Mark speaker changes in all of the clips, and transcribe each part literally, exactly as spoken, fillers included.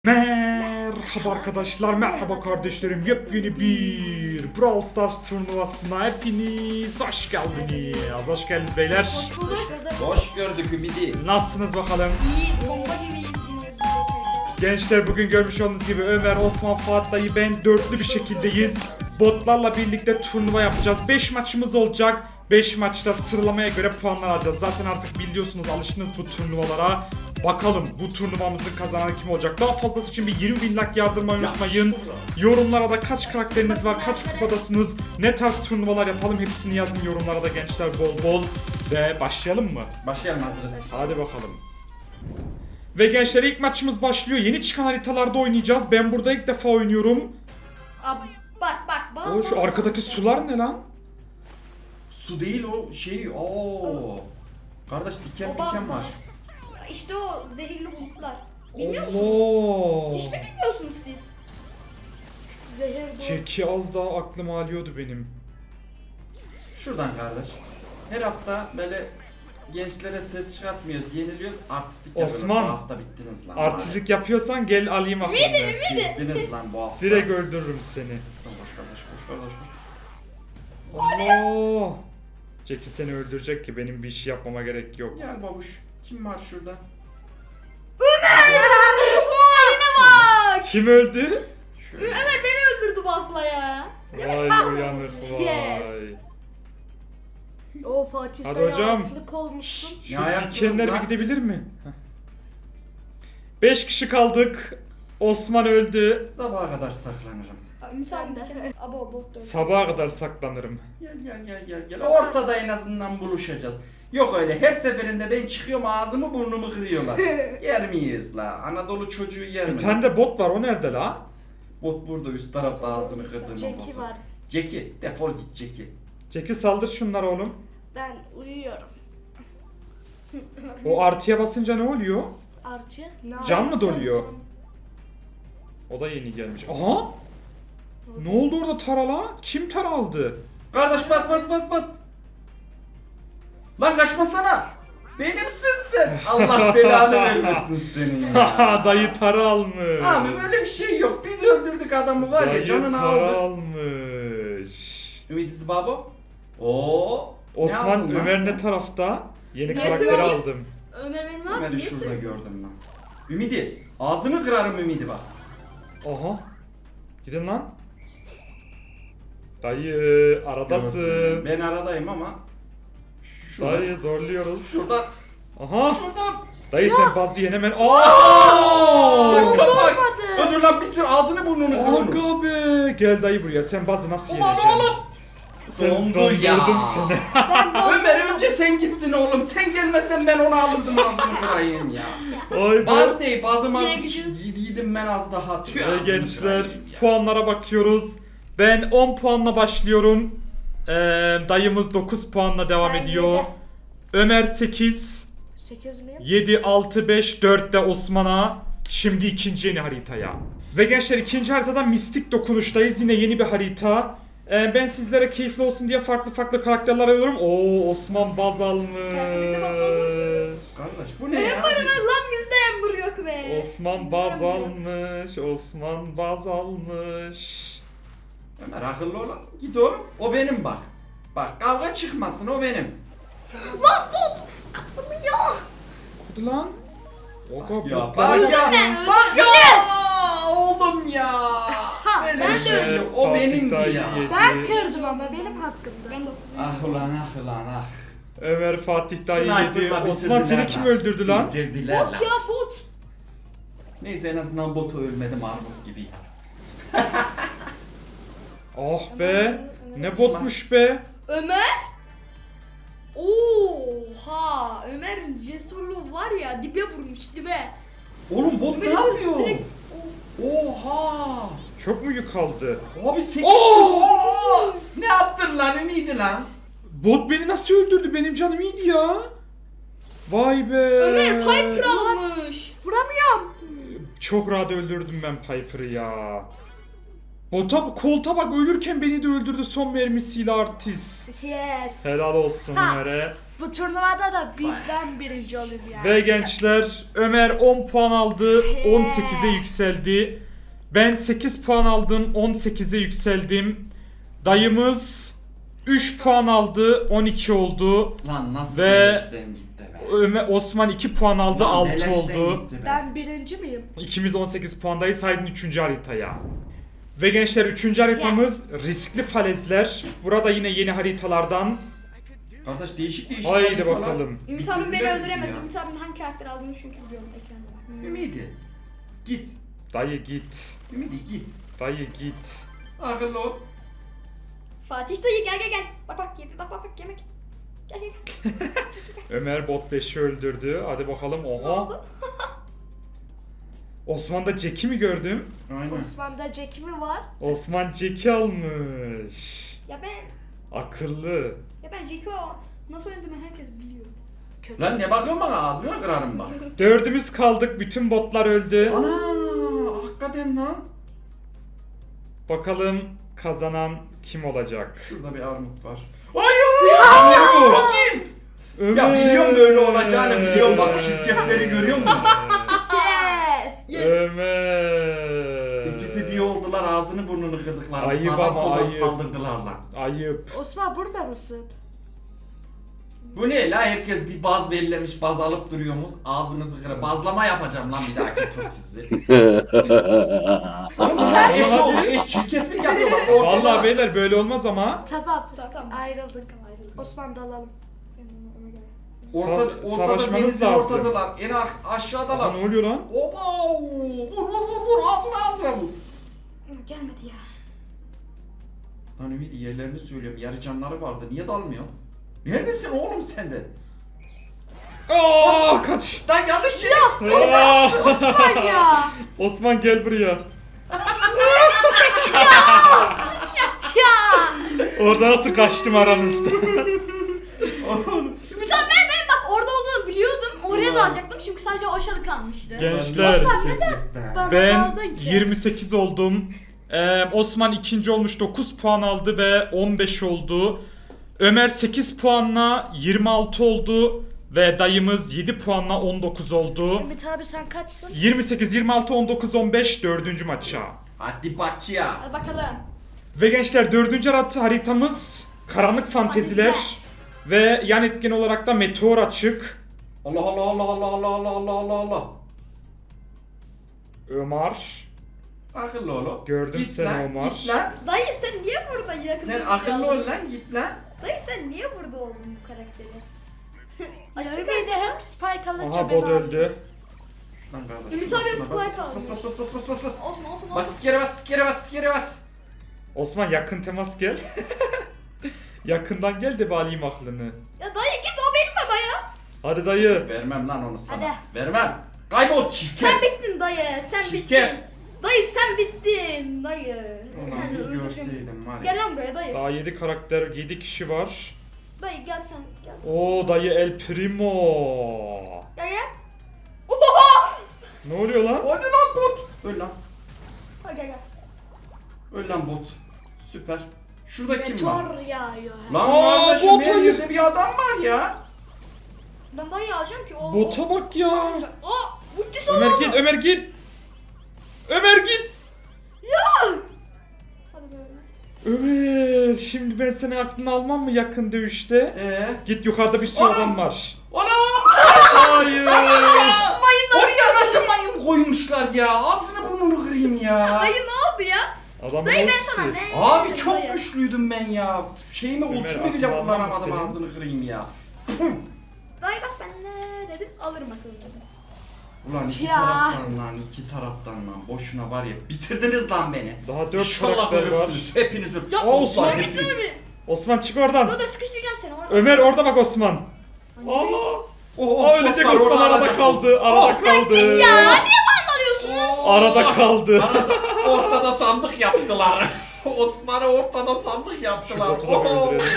Speaker 1: Merhaba arkadaşlar, merhaba kardeşlerim. Yepyeni bir Brawl Stars turnuvasına hepiniz hoş geldiniz. Hoş geldiniz beyler.
Speaker 2: Hoş bulduk.
Speaker 3: Hoş gördük Ümidi.
Speaker 1: Nasılsınız bakalım?
Speaker 2: İyi, bomba gibiyiz.
Speaker 1: Gençler, bugün görmüş olduğunuz gibi Ömer, Osman, Fuat dayı, ben dörtlü bir şekildeyiz. Botlarla birlikte turnuva yapacağız. beş maçımız olacak. beş maçta sıralamaya göre puanlar alacağız. Zaten artık biliyorsunuz, alıştınız bu turnuvalara. Bakalım bu turnuvamızın kazananı kim olacak? Daha fazlası için bir yirmi bin like yardırmayı unutmayın. Yorumlara da kaç karakteriniz var, kaç kupadasınız, ne tarz turnuvalar yapalım hepsini yazın yorumlara da gençler, bol bol. Ve başlayalım mı?
Speaker 3: Başlayalım, hazırız.
Speaker 1: Hadi bakalım. Ve gençler, ilk maçımız başlıyor. Yeni çıkan haritalarda oynayacağız. Ben burada ilk defa oynuyorum.
Speaker 2: Abi bak bak bana.
Speaker 1: O şu arkadaki sular ne lan?
Speaker 3: Su değil o şey. Oo. Kardeş diken
Speaker 2: O baz
Speaker 3: diken var.
Speaker 2: baz. İşte o zehirli bulutlar. Bilmiyor musunuz?
Speaker 1: Allah.
Speaker 2: Hiç mi bilmiyorsunuz siz? Zehir bu.
Speaker 1: Çeki az daha aklım alıyordu benim.
Speaker 3: Şuradan kardeş. Her hafta böyle gençlere ses çıkartmıyoruz, yeniliyoruz, artistlik yapıyoruz.
Speaker 1: Osman,
Speaker 3: Bu hafta bittiniz lan.
Speaker 1: Artistlik yapıyorsan gel alayım aklını.
Speaker 3: Bittiniz lan bu hafta.
Speaker 1: Direkt öldürürüm seni.
Speaker 3: Koş kardeş, koş kardeş, koş.
Speaker 1: Allah. Çeki seni öldürecek ki benim bir iş yapmama gerek yok.
Speaker 3: Gel babuş. Kim var şurada?
Speaker 2: Haline bak.
Speaker 1: Kim öldü?
Speaker 3: Şöyle.
Speaker 2: Ömer beni öldürdü basla ya.
Speaker 1: Vay uyanır vay.
Speaker 4: Yes. O Fatih
Speaker 1: Hadi
Speaker 4: Hadi
Speaker 1: hocam.
Speaker 4: hocam. olmuşsun.
Speaker 1: Şu
Speaker 3: Ne ayaksınız
Speaker 1: dikenler bir
Speaker 3: lan
Speaker 1: gidebilir
Speaker 3: siz?
Speaker 1: mi? beş kişi kaldık. Osman öldü.
Speaker 3: Sabaha kadar saklanırım.
Speaker 2: Ümit abi
Speaker 4: Ben de.
Speaker 2: de. Abo bot dön.
Speaker 1: Sabaha kadar saklanırım.
Speaker 3: Gel gel gel gel gel. Ortada en azından buluşacağız. Yok öyle her seferinde ben çıkıyorum ağzımı burnumu kırıyorlar. Yer miyiz la? Anadolu çocuğu yer mi?
Speaker 1: Bir tane de bot var, o nerede la?
Speaker 3: Bot burada üst tarafta ağzını kırdığım
Speaker 4: Jackie var.
Speaker 3: Jackie defol git Jackie.
Speaker 1: Jackie saldır şunlara oğlum.
Speaker 4: Ben uyuyorum.
Speaker 1: O artıya basınca ne oluyor?
Speaker 4: Artı. Ne
Speaker 1: Can mı
Speaker 4: yapıyorsun?
Speaker 1: doluyor? O da yeni gelmiş. Aha! Ne oldu orada tarala? Kim tara aldı?
Speaker 3: Kardeş bas bas bas bas. Lan kaçmasana. Benimsin sen. Allah belanı vermesin senin ya.
Speaker 1: Dayı tara almış.
Speaker 3: Abi böyle bir şey yok. Biz öldürdük adamı var ya
Speaker 1: Dayı
Speaker 3: canını
Speaker 1: tara
Speaker 3: aldı.
Speaker 1: almış.
Speaker 3: Ümit babo. Oo.
Speaker 1: Osman,
Speaker 3: aldın lan
Speaker 1: Ömer
Speaker 3: sen?
Speaker 1: ne tarafta? Yeni
Speaker 2: Ne
Speaker 1: karakteri
Speaker 2: söyleyeyim?
Speaker 1: aldım.
Speaker 2: Ömer benim ne yaptı?
Speaker 3: Ömer'i
Speaker 2: Ne
Speaker 3: şurada
Speaker 2: söylüyor?
Speaker 3: gördüm lan. Ümidi ağzını kırarım Ümidi bak.
Speaker 1: Aha. Gidin lan. Dayı aradasın.
Speaker 3: Ben aradayım ama. Şurada.
Speaker 1: Dayı zorluyoruz.
Speaker 3: Şurada.
Speaker 1: Aha.
Speaker 3: Şuradan.
Speaker 1: Dayı sen bazı yenemen. Aa!
Speaker 3: Kapak. Öldür lan bitir ağzını burnunu kır onu.
Speaker 1: Aga be. Gel dayı buraya. Sen bazı nasıl
Speaker 3: Ulan
Speaker 1: yeneceksin?
Speaker 3: oğlum.
Speaker 1: Sen
Speaker 3: Dondu
Speaker 1: dondurdum
Speaker 3: ya.
Speaker 1: seni.
Speaker 3: Ömer önce sen gittin oğlum. Sen gelmesen ben onu alırdım ağzını kırayım ya.
Speaker 1: Ay
Speaker 3: Baz
Speaker 1: be.
Speaker 3: değil bazı
Speaker 2: Yine
Speaker 3: maz
Speaker 2: gidiyoruz.
Speaker 3: yediydim ben az daha. Tüh,
Speaker 1: Ve
Speaker 3: ağzını
Speaker 1: gençler,
Speaker 3: kırayım ya.
Speaker 1: puanlara bakıyoruz. Ben on puanla başlıyorum. Ee, dayımız dokuz puanla devam
Speaker 4: Ben
Speaker 1: ediyor.
Speaker 4: yedi.
Speaker 1: Ömer sekiz.
Speaker 4: sekiz miyim?
Speaker 1: yedi, altı, beş, dört de Osman'a. Şimdi ikinci yeni haritaya. Ve gençler, ikinci haritada mistik dokunuştayız. Yine yeni bir harita. Ee, ben sizlere keyifli olsun diye farklı farklı karakterler alıyorum. Oo, Osman baz almış.
Speaker 3: Kardeş bu ne ya?
Speaker 2: Lan bizde Ember yok be.
Speaker 1: Osman baz almış. Osman baz almış.
Speaker 3: Ömer akıllı ol. Git oğlum. O benim bak. Bak kavga çıkmasın o benim.
Speaker 1: Hadi lan. Oga
Speaker 3: Ya
Speaker 1: botlara
Speaker 3: bak
Speaker 1: bak.
Speaker 3: ya.
Speaker 2: ben, öldüm.
Speaker 3: Bak ya. Oğlum ya. Böyle
Speaker 2: ben
Speaker 3: bir
Speaker 2: de
Speaker 3: şey
Speaker 1: öldüm.
Speaker 3: yok. O
Speaker 1: Fatih
Speaker 3: benimdi
Speaker 1: dayı
Speaker 3: ya.
Speaker 1: yedi.
Speaker 4: Ben kırdım ama benim hakkımda.
Speaker 2: Ben dokuzum.
Speaker 3: Ah ulan ah ulan ah.
Speaker 1: Ömer Fatih dayı yedi.
Speaker 3: Sniper'la
Speaker 1: Osman seni
Speaker 3: bitirdiler
Speaker 1: kim
Speaker 3: lan.
Speaker 1: öldürdü lan?
Speaker 3: Bitirdiler lan.
Speaker 2: Bot ya bot.
Speaker 3: Neyse en azından botu ölmedim armut gibi.
Speaker 1: Ah be. Ne botmuş be.
Speaker 2: Ömer. Oha. Ömer'in cesurluğu var ya, dibe vurmuş dibe.
Speaker 3: Oğlum bot ne
Speaker 2: Ömer'i
Speaker 3: yapıyor?
Speaker 2: direkt-
Speaker 3: Oha.
Speaker 1: Çok mu yük aldı?
Speaker 3: Abi sekiz.
Speaker 1: Oo!
Speaker 3: Oha! Ne yaptın lan Ümidi lan?
Speaker 1: Bot beni nasıl öldürdü? Benim canım iyiydi ya. Vay be.
Speaker 2: Ömer Piper almış.
Speaker 4: Vuramıyorum.
Speaker 1: Çok rahat öldürdüm ben Piper'ı ya. Bota, kolta bak, ölürken beni de öldürdü son mermisiyle artist.
Speaker 4: Yes.
Speaker 1: Helal olsun
Speaker 4: Ha.
Speaker 1: Ömer'e.
Speaker 4: Bu turnuvada da bir, ben birinci olayım yani.
Speaker 1: Ve gençler Ömer on puan aldı, on sekize yükseldi. Ben sekiz puan aldım, on sekize yükseldim. Dayımız üç puan aldı, on iki oldu.
Speaker 3: Lan nasıl
Speaker 1: Ve-
Speaker 3: beleşten gitti be.
Speaker 1: Ömer Osman iki puan aldı,
Speaker 3: Lan
Speaker 1: altı
Speaker 3: beleşten
Speaker 1: oldu.
Speaker 3: gitti be.
Speaker 4: Ben birinci miyim?
Speaker 1: İkimiz on sekiz puandayız. Haydin üçüncü haritaya. Ve gençler üçüncü haritamız riskli falezler. Burada yine yeni haritalardan.
Speaker 3: Kardeş değişik değişik
Speaker 1: Haydi
Speaker 3: haritalar.
Speaker 1: bakalım.
Speaker 2: Ümit abim beni
Speaker 3: Bitirdiler bizi
Speaker 2: öldüremez.
Speaker 3: ya.
Speaker 2: Ümit abinin hangi karakter aldığını çünkü biliyorum ekranda.
Speaker 3: Ümidi. Git.
Speaker 1: Dayı git.
Speaker 3: Ümidi git.
Speaker 1: Dayı git.
Speaker 3: Akıllı ol.
Speaker 2: Fatih dayı gel gel gel. Bak bak ye- bak bak bak yemek. Gel gel gel.
Speaker 1: Ömer bot beşi öldürdü. Hadi bakalım.
Speaker 2: Ne
Speaker 1: Oha.
Speaker 2: oldu?
Speaker 1: Osman'da Jack'i mi gördüm?
Speaker 3: Aynen.
Speaker 4: Osman'da Jack'i mi var?
Speaker 1: Osman Jack'i almış.
Speaker 2: Ya ben
Speaker 1: Akıllı.
Speaker 2: ya ben Jeko nasıl oynadığımı herkes biliyor.
Speaker 4: Kötü.
Speaker 3: Lan ne bakıyorsun bana, ağzına kırarım bak.
Speaker 1: Dördümüz kaldık. Bütün botlar öldü.
Speaker 3: Ana hakikaten lan.
Speaker 1: Bakalım kazanan kim olacak?
Speaker 3: Şurada bir armut var. Hayır! Bakayım.
Speaker 1: Ömer.
Speaker 3: Ya biliyorum böyle olacağını, biliyorum bak çirkefleri görüyor musun?
Speaker 2: Yes.
Speaker 1: Ömer.
Speaker 3: İkisi bir oldular, ağzını burnunu kırdıklar.
Speaker 1: Ayıp
Speaker 3: Sağdan
Speaker 1: ama
Speaker 3: soldan
Speaker 1: ayıp.
Speaker 3: saldırdılar lan.
Speaker 1: Ayıp.
Speaker 4: Osman burada mısın?
Speaker 3: Bu ne la, herkes bir baz belirlemiş, baz alıp duruyorsunuz. Ağzınızı kıra. Bazlama yapacağım lan bir dahaki tur sizi. Oğlum bunlar eş oldu, eş çirkeflik yapıyorlar. Ortada.
Speaker 1: Vallahi beyler böyle olmaz ama.
Speaker 4: Tamam.
Speaker 2: Tamam, tamam.
Speaker 4: Ayrıldık. Ayrıldık. Osman da alalım.
Speaker 3: Orta,
Speaker 1: Sa-
Speaker 3: ortada
Speaker 1: savaşmanız
Speaker 3: denizin
Speaker 1: lazım.
Speaker 3: ortadalar. En ar-
Speaker 1: Aha,
Speaker 3: aşağıdalar.
Speaker 1: ne oluyor lan?
Speaker 3: Oba! Vur vur vur vur, ağzına ağzına vur.
Speaker 2: Gelmedi ya.
Speaker 3: Lan Ümit, yerlerini söylüyorum, yarı canları vardı, niye dalmıyor? Neredesin oğlum sen de?
Speaker 1: Aa, kaç.
Speaker 3: Lan yanlış yere.
Speaker 1: Aa!
Speaker 4: Osman ya.
Speaker 1: Osman gel buraya.
Speaker 4: Ya.
Speaker 1: Orada nasıl kaçtım aranızda?
Speaker 2: Ümit abi ben, ben bak orada olduğunu biliyordum. Oraya da alacaktım çünkü sadece o aşağıda kalmıştı.
Speaker 1: Gençler
Speaker 4: Osman neden bana
Speaker 1: ben
Speaker 4: daldın ki?
Speaker 1: yirmi sekiz oldum. Ee, Osman ikinci olmuş, dokuz puan aldı ve on beş oldu. Ömer sekiz puanla yirmi altı oldu ve dayımız yedi puanla on dokuz oldu.
Speaker 4: Ümit abi sen kaçsın?
Speaker 1: yirmi sekiz, yirmi altı, on dokuz, on beş dördüncü maça.
Speaker 3: Hadi bak ya.
Speaker 2: Hadi bakalım.
Speaker 1: Ve gençler dördüncü harit- haritamız karanlık fanteziler ve yan etken olarak da meteor açık.
Speaker 3: Allah Allah Allah Allah Allah Allah Allah Allah Allah.
Speaker 1: Ömer.
Speaker 3: Akıllı ol oğlum.
Speaker 1: Gördüm
Speaker 3: Git
Speaker 1: seni
Speaker 3: lan,
Speaker 1: Omar.
Speaker 3: Git lan.
Speaker 2: Dayı sen niye burada yakın
Speaker 3: Sen
Speaker 2: bir
Speaker 3: akıllı
Speaker 2: şey
Speaker 3: ol
Speaker 2: aldın?
Speaker 3: lan, git lan.
Speaker 2: Dayı sen niye burada oldun bu karakteri?
Speaker 4: Ya
Speaker 2: Aşık
Speaker 4: Ümit de hep spike alınca
Speaker 1: Aha
Speaker 4: beni
Speaker 1: bot
Speaker 4: aldı.
Speaker 1: öldü.
Speaker 3: Lan kardeşim.
Speaker 2: Ümit abi
Speaker 3: şuna
Speaker 2: spike
Speaker 3: bas,
Speaker 2: almış.
Speaker 3: Bas bas bas bas bas bas.
Speaker 2: Olsun olsun
Speaker 3: Bas
Speaker 2: olsun.
Speaker 3: iskere bas iskere bas iskere bas.
Speaker 1: Osman yakın temas gel. Yakından gel de bir alayım aklını.
Speaker 2: Ya dayı git o benim ama ya.
Speaker 1: Hadi dayı.
Speaker 3: Vermem lan onu sana.
Speaker 4: Hadi.
Speaker 3: Vermem. Kaybol çirkef.
Speaker 2: Sen bittin dayı. Sen
Speaker 3: Çirkef.
Speaker 2: bittin. Dayı sen bittin dayı.
Speaker 3: Ulan
Speaker 2: Sen
Speaker 3: bir
Speaker 2: öldürdün.
Speaker 3: görseydim var ya.
Speaker 2: Gel lan buraya dayı.
Speaker 1: Daha yedi karakter, yedi kişi var.
Speaker 2: Dayı gel sen gel sen.
Speaker 1: Oo dayı El Primo.
Speaker 2: Gel gel. Oha!
Speaker 1: Ne oluyor lan?
Speaker 3: Hadi lan bot. Öl lan.
Speaker 2: Hadi gel gel.
Speaker 3: Öl lan bot. Süper. Şurada kim var?
Speaker 4: Meteor yağıyor.
Speaker 3: Lan
Speaker 1: Aa,
Speaker 3: kardeşim,
Speaker 1: bot
Speaker 3: her
Speaker 1: hayır.
Speaker 3: yerde bir adam var ya.
Speaker 2: Ben dayı alacağım ki o.
Speaker 1: Bota bak ya.
Speaker 2: Aa! Ultisi
Speaker 1: Ömer
Speaker 2: oldu.
Speaker 1: git, Ömer git. Ömer git.
Speaker 2: Hadi böyle.
Speaker 1: Ömer, şimdi ben senin aklını almam mı yakın dövüşte?
Speaker 3: Eee?
Speaker 1: Git, yukarıda bir sürü
Speaker 3: Oğlum.
Speaker 1: adam var.
Speaker 3: Anam!
Speaker 1: Hayır.
Speaker 3: Oraya nasıl mayın koymuşlar ya? Ağzını burnunu kırayım ya.
Speaker 2: Dayı ne oldu ya?
Speaker 1: Adamın
Speaker 2: Dayı ben
Speaker 1: ultisi.
Speaker 2: sana ne?
Speaker 3: Abi
Speaker 2: dedim
Speaker 3: çok
Speaker 2: dayı?
Speaker 3: güçlüydüm ben ya. Şeyimi
Speaker 1: Ömer,
Speaker 3: ultimi bile
Speaker 1: aklını almam
Speaker 3: kullanamadım,
Speaker 1: senin.
Speaker 3: ağzını kırayım ya.
Speaker 2: Dayı bak ben ne dedim alırım akıllı dedim.
Speaker 3: Ulan iki
Speaker 4: Ya.
Speaker 3: taraftan lan, iki taraftan lan. Boşuna var ya, bitirdiniz lan beni.
Speaker 1: Daha dört
Speaker 3: İnşallah
Speaker 1: karakter var.
Speaker 3: ölürsünüz. Hepiniz ölürsünüz.
Speaker 2: Ya
Speaker 1: Aa, Osman
Speaker 2: Osman
Speaker 3: hepiniz-
Speaker 2: gitsene bir.
Speaker 1: Osman çık oradan.
Speaker 2: Dur dur sıkıştıracağım seni orada.
Speaker 1: Ömer orada bak Osman. Allah.
Speaker 3: Oh,
Speaker 1: Aa, ölecek
Speaker 3: botlar
Speaker 1: Osman
Speaker 3: orada
Speaker 1: arada
Speaker 3: alacak.
Speaker 1: kaldı. Arada
Speaker 3: Oh,
Speaker 1: kaldı.
Speaker 2: Ya niye bana alıyorsunuz?
Speaker 1: Arada kaldı.
Speaker 3: Arada, ortada sandık yaptılar. Osman'ı ortada sandık
Speaker 1: Şu
Speaker 3: yaptılar.
Speaker 1: botu da bir
Speaker 3: Oh.
Speaker 1: öldürelim.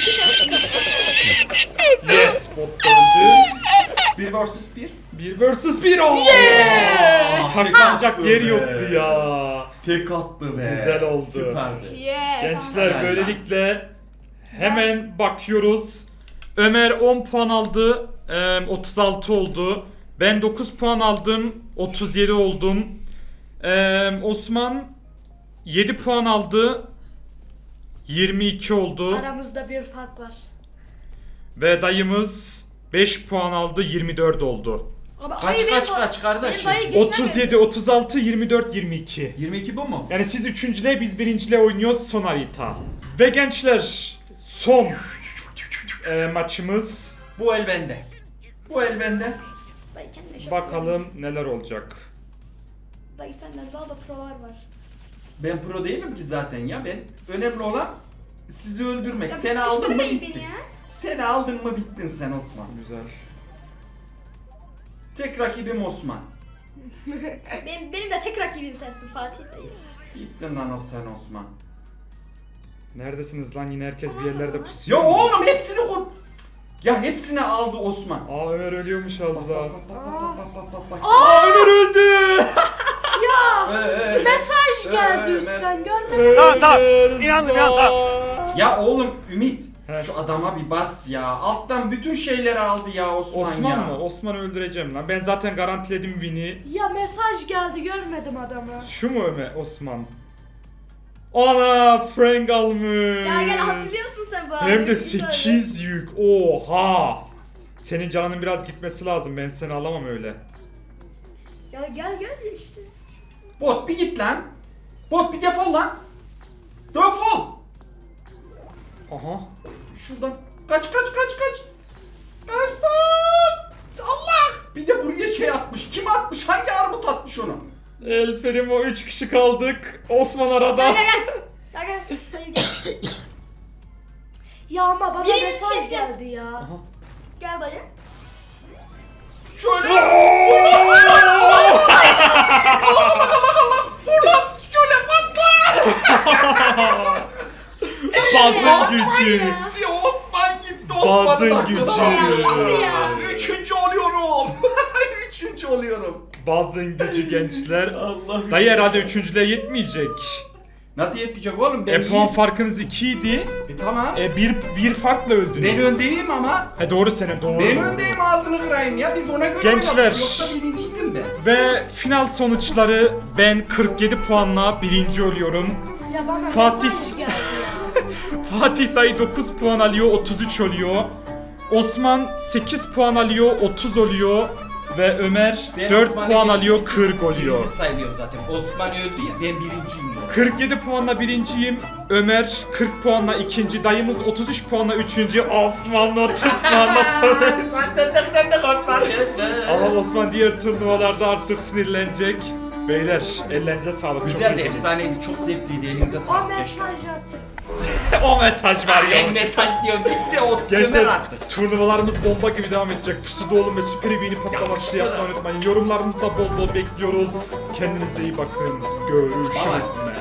Speaker 1: Yes, bot da öldü.
Speaker 3: Bir versus bir.
Speaker 1: Bir versus bir oldu.
Speaker 3: Yes!
Speaker 1: Saklanacak
Speaker 3: Tek
Speaker 1: yer
Speaker 3: attı
Speaker 1: yoktu
Speaker 3: be.
Speaker 1: ya.
Speaker 3: Tek attı be.
Speaker 1: Güzel oldu.
Speaker 3: Süperdi.
Speaker 4: Yes.
Speaker 1: Gençler
Speaker 3: Helal
Speaker 1: böylelikle hemen bakıyoruz. Ömer on puan aldı. Ee, otuz altı oldu. Ben dokuz puan aldım. otuz yedi oldum. Ee, Osman yedi puan aldı. yirmi iki oldu.
Speaker 4: Aramızda bir fark var.
Speaker 1: Ve dayımız beş puan aldı. yirmi dört oldu.
Speaker 2: Abi,
Speaker 3: Kaç,
Speaker 2: ay, benim
Speaker 3: kaç,
Speaker 2: o-
Speaker 3: kaç kardeşim?
Speaker 2: benim dayı geçmem
Speaker 1: otuz yedi, otuz altı, yirmi dört, yirmi iki.
Speaker 3: yirmi iki bu mu?
Speaker 1: Yani siz üçüncüle, biz birincile oynuyoruz son harita. Ve gençler son e, maçımız.
Speaker 3: Bu el bende. Bu el bende.
Speaker 2: Dayı kendine şok
Speaker 1: Bakalım neler olacak.
Speaker 2: veriyor. Dayı senden daha da prolar var.
Speaker 3: Ben pro değilim ki zaten ya. Ben önemli olan sizi öldürmek.
Speaker 2: Ya
Speaker 3: Seni
Speaker 2: bir
Speaker 3: aldın mı
Speaker 2: sıkıştırmayın
Speaker 3: bittin.
Speaker 2: beni ya.
Speaker 3: Seni aldın mı bittin sen Osman.
Speaker 1: Güzel.
Speaker 3: Tek rakibim Osman.
Speaker 2: Benim, benim de tek rakibim sensin Fatih dayı.
Speaker 3: Bittin lan o sen Osman.
Speaker 1: Neredesiniz lan, yine herkes bir yerlerde pusuyor.
Speaker 3: Ya oğlum hepsini kur. Ya hepsini aldı Osman.
Speaker 1: Aa, Ömer ölüyormuş az daha.
Speaker 3: Bak bak bak bak bak bak.
Speaker 1: Aa, Ömer öldü.
Speaker 4: Ya
Speaker 3: Ee,
Speaker 4: mesaj geldi
Speaker 3: Ee,
Speaker 4: üstten görmedin.
Speaker 1: Tamam tamam.
Speaker 5: İnandım, inandım,
Speaker 3: Ya oğlum Ümit.
Speaker 1: He.
Speaker 3: Şu adama bir bas ya. Alttan bütün şeyleri aldı ya Osman,
Speaker 1: Osman
Speaker 3: ya.
Speaker 1: mı? Osman'ı öldüreceğim lan. Ben zaten garantiledim win'i.
Speaker 4: Ya mesaj geldi görmedim adamı.
Speaker 1: Şu mu Ömer? Osman. Ana, Frank almış.
Speaker 2: Gel gel hatırlıyorsun sen bu
Speaker 1: Hem
Speaker 2: adamı,
Speaker 1: de
Speaker 2: biz öyle.
Speaker 1: sekiz yük. Oha. Senin canının biraz gitmesi lazım. Ben seni alamam öyle.
Speaker 2: Ya gel gel işte.
Speaker 3: Bot bir git lan. Bot bir defol lan. Defol.
Speaker 1: Aha.
Speaker 3: Şuradan. Kaç kaç kaç kaç. Kaç lan. Allah. Bir de buraya şey atmış. Kim atmış? Hangi armut atmış onu?
Speaker 1: El Primo, üç kişi kaldık. Osman arada.
Speaker 2: Gel gel gel. Gel gel. Hayır gel.
Speaker 4: Ya ama bana
Speaker 2: Birini
Speaker 4: mesaj
Speaker 2: seçeceğim.
Speaker 4: geldi ya.
Speaker 1: Aha.
Speaker 2: Gel dayı.
Speaker 3: Şöyle. Buradan şöyle bas lan.
Speaker 1: Bazın gücü.
Speaker 2: Ya.
Speaker 3: Gitti Osman gitti.
Speaker 1: Bazın
Speaker 3: Osman'ın
Speaker 1: gücü.
Speaker 3: hakkını aldı.
Speaker 2: Nasıl ya?
Speaker 3: Üçüncü oluyorum. Üçüncü oluyorum.
Speaker 1: Bazın gücü gençler.
Speaker 3: Allah.
Speaker 1: Dayı herhalde üçüncülüğe yetmeyecek.
Speaker 3: Nasıl yetmeyecek oğlum? Ben
Speaker 1: E puan
Speaker 3: iyiyim.
Speaker 1: farkınız ikiydi.
Speaker 3: E tamam.
Speaker 1: E bir, bir farkla öldünüz.
Speaker 3: Ben öndeyim ama.
Speaker 1: He doğru senin, doğru.
Speaker 3: Ben öndeyim, ağzını kırayım ya. Biz ona göre
Speaker 1: Gençler.
Speaker 3: oynadık. Yoksa birinciydim ben.
Speaker 1: Ve final sonuçları, ben kırk yedi puanla birinci oluyorum.
Speaker 4: Ya bana
Speaker 1: Fatih.
Speaker 4: mesaj geldi ya.
Speaker 1: Fatih dayı dokuz puan alıyor, otuz üç oluyor. Osman sekiz puan alıyor, otuz oluyor. Ve Ömer
Speaker 3: Ben
Speaker 1: dört
Speaker 3: Osman'ı
Speaker 1: puan
Speaker 3: geçtim.
Speaker 1: alıyor, kırk oluyor.
Speaker 3: Birinci sayılıyorum zaten. Osman öldü ya, ben birinciyim ya.
Speaker 1: kırk yedi puanla birinciyim. Ömer kırk puanla ikinci. Dayımız otuz üç puanla üçüncü. Osman'la otuz puanla sonuncu.
Speaker 3: Zaten de Osman
Speaker 1: Ama Osman diğer turnuvalarda artık sinirlenecek. Beyler ellerinize sağlık. Çok
Speaker 3: Güzel de
Speaker 1: iyiydiniz.
Speaker 3: efsaneydi, çok zevkliydi. Elinize
Speaker 4: O
Speaker 3: sağlık gençler.
Speaker 4: mesajı atın.
Speaker 1: O mesaj var ya.
Speaker 3: Ben mesaj diyorum, gitti o
Speaker 1: Gençler
Speaker 3: sınır artık.
Speaker 1: turnuvalarımız bomba gibi devam edecek. Pusuda olun ve süper evini patlaması
Speaker 3: Yapıştır.
Speaker 1: yapmayı unutmayın. Yorumlarınızda bol bol bekliyoruz. Kendinize iyi bakın. Görüşürüz.
Speaker 3: Bye.